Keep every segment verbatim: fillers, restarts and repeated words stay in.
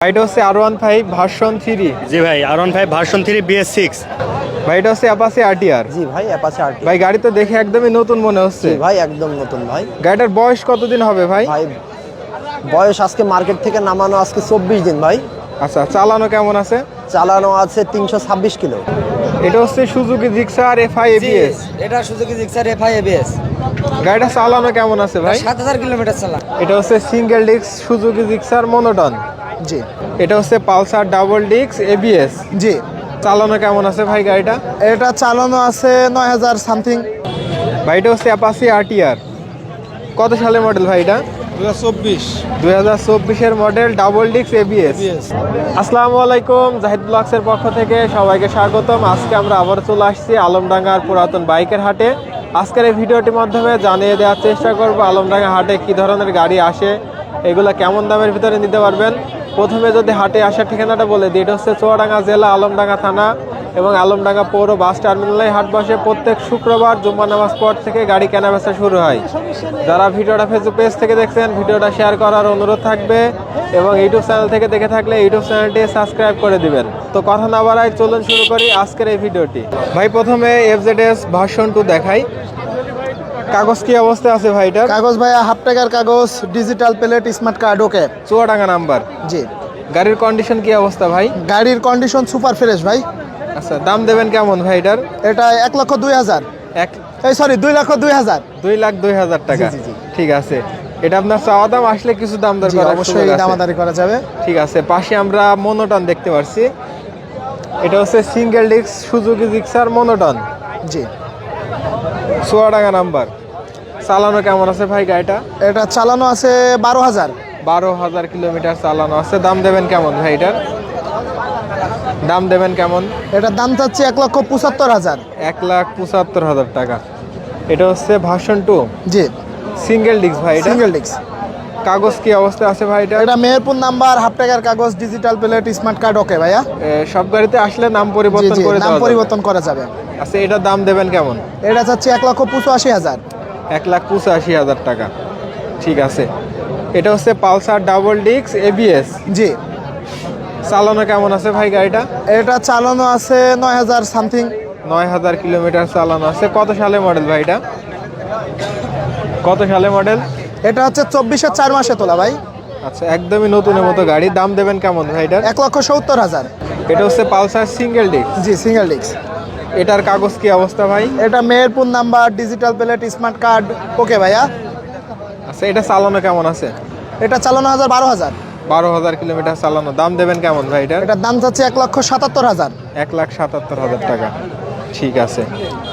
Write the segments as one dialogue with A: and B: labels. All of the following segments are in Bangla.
A: এটা হচ্ছে R one five version three.
B: জি ভাই, R one five version three BS six.
A: ভাই এটা হচ্ছে অ্যাপাচি আরটিআর।
C: জি ভাই, অ্যাপাচি আরটি।
A: ভাই গাড়ি তো দেখে একদমই নতুন মনে হচ্ছে।
C: জি ভাই, একদম নতুন ভাই।
A: গাড়িটার বয়স কতদিন হবে ভাই?
C: ভাই বয়স আজকে মার্কেট থেকে নামানো আজকে চব্বিশ দিন ভাই।
A: আচ্ছা, চালানো কেমন আছে?
C: চালানো আছে তিনশো ছাব্বিশ কিলো।
A: এটা হচ্ছে সুজুকি জিক্সার এফআই এবিএস।
D: এটা সুজুকি জিক্সার এফআই এবিএস।
A: গাড়িটা চালানো কেমন আছে ভাই?
D: সাত হাজার কিলোমিটার চালা।
A: এটা হচ্ছে single disc Suzuki Gixxer monotone.
C: জি
A: এটা হচ্ছে পালসার ডাবল ডিস্ক এবিএস।
C: জি।
A: চালানো কেমন আছে ভাই গাড়িটা?
C: এটা চালানো আছে নয় হাজার সামথিং।
A: ভাই এটা হচ্ছে অ্যাপাচি আরটিআর। কত সালের মডেল ভাই এটা? দুই হাজার চব্বিশের মডেল, ডাবল ডিস্ক এবিএস। আসসালামু আলাইকুম, জাহিদ ব্লগসের পক্ষ থেকে সবাইকে স্বাগতম। আজকে আমরা আবার চলে আসছি আলমডাঙ্গার পুরাতন বাইকের হাটে। আজকের এই ভিডিওটির মাধ্যমে জানিয়ে দেওয়ার চেষ্টা করব আলমডাঙ্গা হাটে কি ধরনের গাড়ি আসে, এগুলো কেমন দামের ভিতরে নিতে পারবেন। প্রথমে যদি হাটে আসার ঠিকানাটা বলে দিই, এটা হচ্ছে চুয়াডাঙ্গা জেলা, আলমডাঙ্গা থানা এবং আলমডাঙ্গা পৌর বাস টার্মিনালে হাট বসে প্রত্যেক শুক্রবার জুম্মা নামাজ পর থেকে গাড়ি কেনাবেচা শুরু হয়। যারা ভিডিওটা ফেসবুক পেজ থেকে দেখছেন, ভিডিওটা শেয়ার করার অনুরোধ থাকবে এবং ইউটিউব চ্যানেল থেকে দেখে থাকলে ইউটিউব চ্যানেলটি সাবস্ক্রাইব করে দিবেন। তো কথা না বাড়াই, চলুন শুরু করি আজকের এই ভিডিওটি। ভাই প্রথমে এফজেডএস ভার্সন টু দেখাই। কাগজ কি অবস্থায় আছে ভাই এটা?
C: কাগজ ভাইয়া হাফ টাকার কাগজ, digital plate, smart card, okay.
A: Chuadanga number.
C: জি।
A: গাড়ির কন্ডিশন কি অবস্থা ভাই?
C: গাড়ির কন্ডিশন সুপার ফ্রেশ ভাই।
A: আচ্ছা, দাম দেবেন কেমন ভাই এটার?
C: এটা এক লক্ষ দুই হাজার
A: এক
C: এই সরি দুই লক্ষ দুই হাজার
A: দুই লাখ দুই হাজার টাকা।
C: জি, জি, জি।
A: ঠিক আছে, এটা আপনার চাওয়া দাম, আসলে কিছু দাম দর
C: জি,
A: করার
C: অবশ্যই
A: সুযোগ আছে।
C: দামাদারি করা যাবে।
A: ঠিক আছে, পাশে আমরা মনোটন দেখতে পাচ্ছি। এটা হচ্ছে single disc Suzuki Gixxer monotone.
C: জি।
A: চুয়াডাঙ্গা নাম্বার। চালানো কেমন আছে ভাই গাড়িটা?
C: এটা চালানো আছে বারো হাজার।
A: বারো হাজার কিলোমিটার চালানো আছে। দাম দেবেন কেমন ভাই এটার? দাম দেবেন কেমন?
C: এটার দাম চাচ্ছে এক লক্ষ পঁচাত্তর হাজার।
A: এক লাখ পঁচাত্তর হাজার টাকা। এটা হচ্ছে ভার্সন টু,
C: জি।
A: সিঙ্গেল ডিস্ক ভাই এটা।
C: Single disc.
A: কাগজ কি অবস্থা আছে ভাই এটা?
C: এটা মেহেরপুর নাম্বার, হাফ টাকার কাগজ, digital plate, smart card, okay ভাইয়া।
A: এ, সব গাড়িতে আসলে নাম
C: জি
A: পরিবর্তন
C: জি,
A: করে
C: নাম
A: দেওয়া যাবে।
C: পরিবর্তন করা যাবে।
A: আচ্ছা, এটার দাম দেবেন কেমন?
C: এটা চাচ্ছে এক লক্ষ পঁচাশি হাজার।
A: এক লাখ পঁচাশি হাজার টাকা। ঠিক আছে, এটা হচ্ছে পালসার ডাবল ডিস্ক এবিএস।
C: জি।
A: চালানো কেমন আছে ভাই গাড়িটা?
C: এটা চালানো আছে নয় হাজার সামথিং।
A: নয় হাজার কিলোমিটার চালানো আছে। কত সালে মডেল ভাই এটা? কত সালে মডেল?
C: এটা হচ্ছে চব্বিশের চার মাসে তোলা ভাই।
A: আচ্ছা, একদমই নতুনের মতো গাড়ি। দাম দেবেন কেমন ভাই এটার?
C: এক লক্ষ সত্তর হাজার।
A: এটা হচ্ছে পালসার সিঙ্গেল ডিস্ক।
C: জি, সিঙ্গেল ডিস্ক।
A: এটার কাগজ কি অবস্থা ভাই?
C: এটা Meherpur number, digital plate, smart card, okay ভাইয়া।
A: আচ্ছা, এটা চালানো কেমন আছে?
C: এটা চালানো হাজার বারো হাজার।
A: বারো হাজার কিলোমিটার চালানো। দাম দেবেন কেমন ভাই এটার?
C: এটার দাম চাচ্ছে এক লক্ষ সাতাত্তর হাজার।
A: এক লাখ সাতাত্তর হাজার টাকা। ঠিক আছে,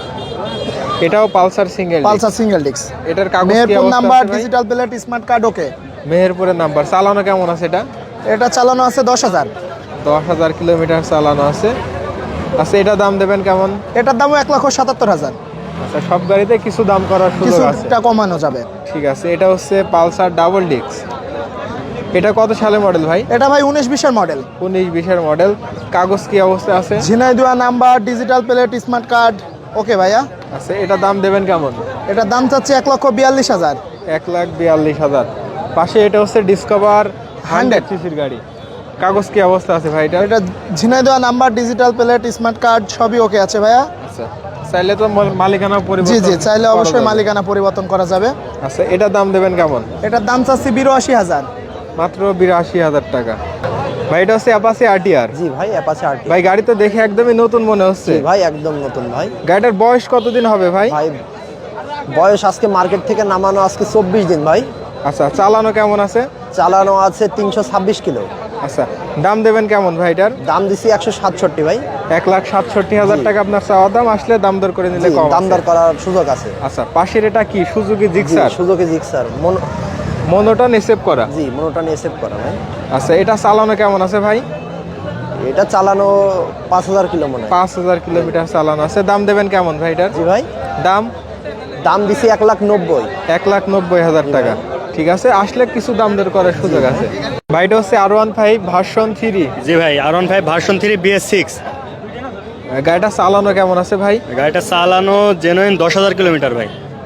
A: এটাও Pulsar single.
C: Pulsar single disc.
A: এটার কাগজ কি
C: মেহেরপুর
A: অবস্থা
C: নাম্বার,
A: আছে ভাই?
C: Digital plate, smart card, okay.
A: মেহেরপুরের নাম্বার। চালানো কেমন আছে এটা?
C: এটা চালানো আছে দশ হাজার।
A: দশ হাজার কিলোমিটার চালানো আছে। আচ্ছা, এটা দাম দেবেন কেমন?
C: এটার দামও এক লক্ষ সাতাত্তর হাজার।
A: আচ্ছা, সব গাড়িতে কিছু দাম করার সুযোগ আছে।
C: কিছুটা কমানো যাবে।
A: ঠিক আছে, এটা হচ্ছে পালসার ডাবল ডিস্ক। এটা কত সালে মডেল ভাই?
C: এটা ভাই উনিশ বিশের মডেল।
A: উনিশ বিশের মডেল। কাগজ কি অবস্থা আছে?
C: Jhenaidah number, digital plate, smart card, okay ভাইয়া।
A: আচ্ছা, এটা দাম দেবেন কেমন?
C: এটার দাম চাচ্ছে এক লক্ষ বিয়াল্লিশ হাজার।
A: এক লাখ বিয়াল্লিশ হাজার। পাশে এটা হচ্ছে ডিসকভার হান্ড্রেড সিসির গাড়ি। কাগজ কি অবস্থা আছে ভাই এটা?
C: এটা Jhenaidah number, digital plate, smart card, সবই ওকে আছে ভাইয়া।
A: আচ্ছা, চাইলে তো মাল- মালিকানা
C: জি
A: পরিবর্তন
C: জি, চাইলে
A: করা
C: অবশ্যই
A: যাবে।
C: মালিকানা পরিবর্তন করা যাবে।
A: আচ্ছা, এটার দাম দেবেন কেমন?
C: এটার দাম চাচ্ছি বিরাশি হাজার।
A: মাত্র বিরাশি হাজার টাকা। ভাই এটা হচ্ছে অ্যাপাচি আরটিআর।
C: জি ভাই, অ্যাপাচি আরটি।
A: ভাই গাড়ি তো দেখে একদমই নতুন মনে হচ্ছে।
C: জি ভাই, একদম নতুন ভাই।
A: গাড়িটার বয়স কতদিন হবে ভাই?
C: ভাই বয়স আজকে মার্কেট থেকে নামানো আজকে চব্বিশ দিন ভাই।
A: আচ্ছা, চালানো কেমন আছে?
C: চালানো আছে তিনশো ছাব্বিশ কিলো।
A: আচ্ছা, দাম দেবেন কেমন ভাই এটার?
C: দাম দিছি একশো সাতষট্টি ভাই।
A: এক লাখ সাতষট্টি হাজার টাকা আপনার চাওয়া দাম, আসলে দাম দর করে নিলে
C: জি,
A: কম
C: দাম
A: আছে।
C: দর করার সুযোগ আছে।
A: আচ্ছা, পাশের এটা কি সুজুকি
C: জি,
A: জিক্সার?
C: সুযোগে জিক্সার মন-
A: মনোটন এসেভ করা।
C: জি, মনোটা নিয়ে সেভ করা ভাই।
A: আচ্ছা, এটা চালানো কেমন আছে ভাই?
C: এটা চালানো পাঁচ হাজার কিলো মনে হয়।
A: পাঁচ হাজার কিলোমিটার চালানো আছে। দাম দেবেন কেমন ভাই এটার?
C: জি ভাই,
A: দাম
C: দাম দিছি এক লাখ নব্বই।
A: এক লাখ নব্বই হাজার টাকা। ঠিক আছে, আসলে কিছু দাম দর করার সুযোগ আছে। ভাই এটা হচ্ছে R one five version three.
B: জি ভাই, R one five version three BS six.
A: গাড়িটা চালানো কেমন আছে ভাই?
B: গাড়িটা চালানো জেনুইন দশ হাজার কিলোমিটার ভাই।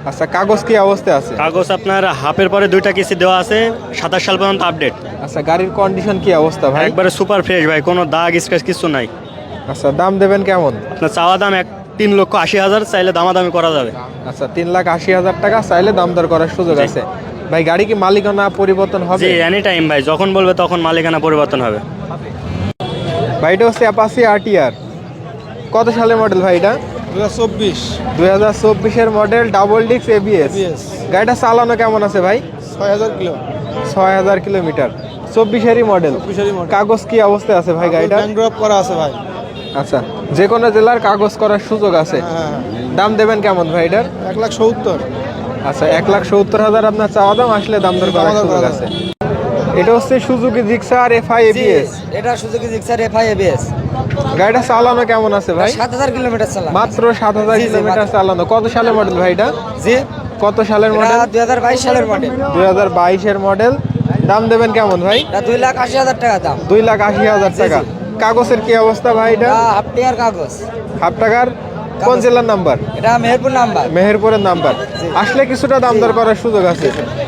A: আচ্ছা, কাগজ কি অবস্থায় আছে?
B: কাগজ আপনার হাফের পরে দুইটা কিস্তি দেওয়া আছে, সাতাশ সাল পর্যন্ত আপডেট।
A: আচ্ছা, গাড়ির কন্ডিশন কি অবস্থা ভাই?
B: একবারে সুপার ফ্রেশ ভাই, কোনো দাগ স্ক্র্যাচ কিছু নাই।
A: আচ্ছা, দাম দেবেন কেমন?
B: আপনার চাওয়া দাম এক তিন লক্ষ আশি হাজার, চাইলে দামাদামি করা যাবে।
A: আচ্ছা, তিন লাখ আশি হাজার টাকা চাইলে দাম দর করার সুযোগ
B: জি।
A: আছে। ভাই, গাড়ি কি মালিকানা পরিবর্তন হবে?
B: জি, এনি টাইম ভাই, যখন বলবে তখন মালিকানা পরিবর্তন হবে।
A: ভাই, এটা হচ্ছে অ্যাপাসি আরটিআর। কত সালের মডেল ভাই এটা?
E: দু হাজার চব্বিশ
A: দুই হাজার চব্বিশের মডেল, ডাবল ডিক্স এবিএস।
E: এবিএস।
A: গাড়িটা চালানো কেমন আছে ভাই?
E: ছয় হাজার কিলো
A: ছয় হাজার কিলোমিটার। চব্বিশেরই মডেল।
E: চব্বিশেরই model।
A: কাগজ কি অবস্থায় আছে ভাই গাড়িটা?
E: ব্যাংক করা আছে ভাই।
A: আচ্ছা, যে কোনো জেলার কাগজ করার সুযোগ আছে।
E: হ্যাঁ,
A: দাম দেবেন কেমন ভাই এটার?
E: এক লাখ সত্তর।
A: আচ্ছা, এক লাখ সত্তর হাজার আপনার চাওয়া দাম, আসলে দাম দর করার
E: দাম দর
A: সুযোগ
E: করা
A: আছে। এটা হচ্ছে সুজুকি জিক্সার এফআই এবিএস।
D: এটা সুজুকি জিক্সার এফআই এবিএস।
A: গাড়িটা চালানো কেমন আছে ভাই?
D: সাত হাজার কিলোমিটার চালান।
A: মাত্র সাত হাজার
D: জি, জি,
A: কিলোমিটার
D: মাত্র।
A: চালানো। কত সালের মডেল ভাই এটা?
D: জি,
A: কত সালের
D: এটা
A: মডেল?
D: দুই হাজার বাইশ সালের মডেল।
A: দুই হাজার বাইশের মডেল। দাম দেবেন কেমন ভাই?
D: এটা দুই লাখ আশি হাজার টাকা দাম।
A: দুই লাখ আশি হাজার
D: জি,
A: টাকা।
D: জি।
A: কাগজের কি অবস্থা ভাই এটা?
D: এটা হাফ টিয়ার কাগজ।
A: হাফ টাকার। কোন জেলার নাম্বার?
D: এটা মেহেরপুর নাম্বার।
A: মেহেরপুরের নাম্বার। আসলে কিছুটা দাম দর করার সুযোগ আছে।